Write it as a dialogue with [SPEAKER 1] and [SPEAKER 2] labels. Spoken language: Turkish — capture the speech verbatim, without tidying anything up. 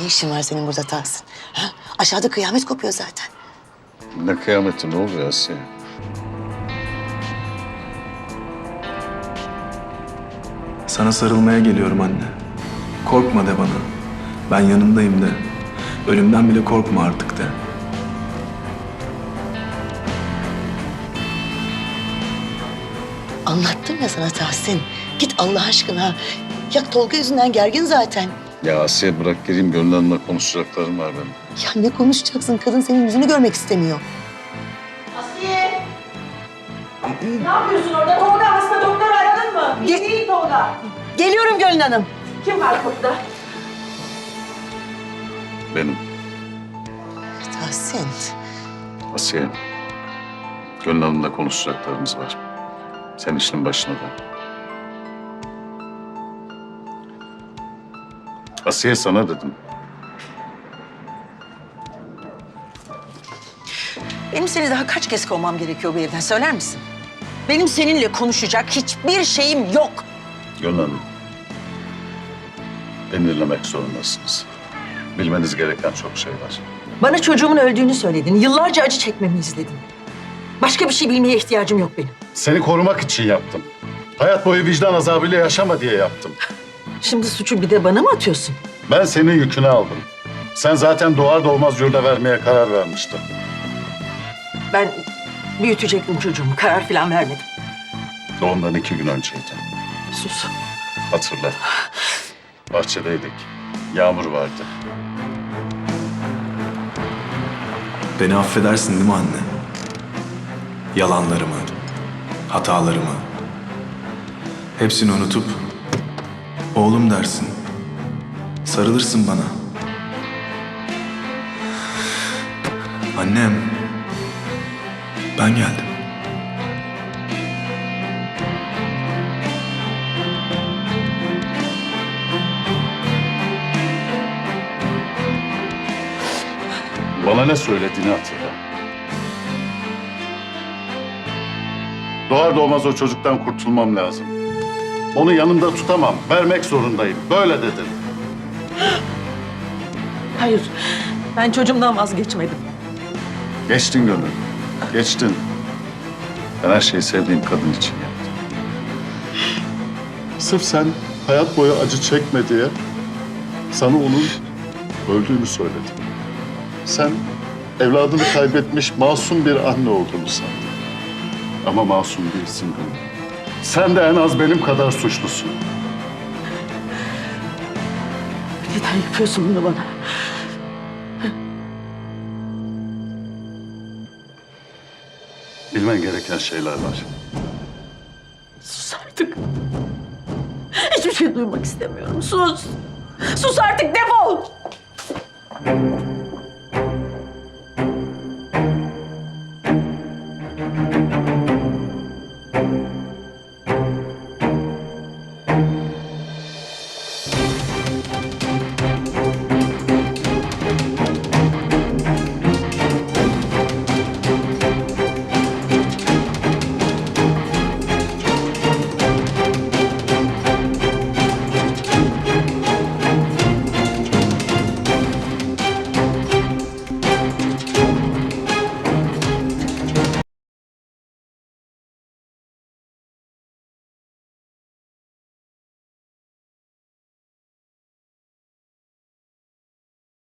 [SPEAKER 1] işin var senin burada Tahsin? Ha? Aşağıda kıyamet kopuyor zaten.
[SPEAKER 2] Ne kıyameti, ne oluyor Asiye?
[SPEAKER 3] Sana sarılmaya geliyorum anne. Korkma de bana. Ben yanındayım de. Ölümden bile korkma artık de.
[SPEAKER 1] Anlattım ya sana Tahsin. Git Allah aşkına. Ya Tolga yüzünden gergin zaten.
[SPEAKER 2] Ya Asiye bırak gireyim, Gönül Hanım'la konuşacaklarım var benim.
[SPEAKER 1] Ya ne konuşacaksın? Kadın senin yüzünü görmek istemiyor.
[SPEAKER 4] Asiye! Ne yapıyorsun orada? Tolga hasta, doktoru aradın mı? İyi değil Tolga.
[SPEAKER 1] Geliyorum Gönül Hanım.
[SPEAKER 4] Kim var kapıda?
[SPEAKER 2] Benim.
[SPEAKER 1] Tahsin.
[SPEAKER 2] Asiye, Gönül Hanım'la konuşacaklarımız var. Sen işinin başına dön. Asiye, sana dedim.
[SPEAKER 4] Benim seni daha kaç kez kovmam gerekiyor bu evden, söyler misin? Benim seninle konuşacak hiçbir şeyim yok.
[SPEAKER 2] Gönül Hanım, beni dinlemek zorundasınız. Bilmeniz gereken çok şey var.
[SPEAKER 4] Bana çocuğumun öldüğünü söyledin. Yıllarca acı çekmemi izledin. Başka bir şey bilmeye ihtiyacım yok benim.
[SPEAKER 2] Seni korumak için yaptım. Hayat boyu vicdan azabıyla yaşama diye yaptım.
[SPEAKER 4] Şimdi suçu bir de bana mı atıyorsun?
[SPEAKER 2] Ben senin yükünü aldım. Sen zaten doğar doğmaz yurda vermeye karar vermiştin.
[SPEAKER 4] Ben büyütecektim çocuğumu. Karar falan vermedim.
[SPEAKER 2] Doğumdan iki gün önceydi.
[SPEAKER 4] Sus.
[SPEAKER 2] Hatırla. Bahçedeydik. Yağmur vardı.
[SPEAKER 3] Beni affedersin değil mi anne? Yalanlarımı, hatalarımı. Hepsini unutup oğlum dersin. Sarılırsın bana. Annem, ben geldim.
[SPEAKER 2] Bana ne söylediğini hatırla. Doğar doğmaz o çocuktan kurtulmam lazım. Onu yanımda tutamam. Vermek zorundayım. Böyle dedin.
[SPEAKER 4] Hayır. Ben çocuğumdan vazgeçmedim.
[SPEAKER 2] Geçtin Gönül. Geçtin. Ben her şeyi sevdiğim kadın için yaptım. Sırf sen hayat boyu acı çekme diye sana onun öldüğünü söyledim. Sen evladını kaybetmiş masum bir anne olduğunu sandın. Ama masum değilsin Gönül. Sen de en az benim kadar suçlusun.
[SPEAKER 4] Neden yapıyorsun bunu bana?
[SPEAKER 2] Bilmen gereken şeyler var.
[SPEAKER 4] Sus artık. Hiçbir şey duymak istemiyorum. Sus. Sus artık, defol.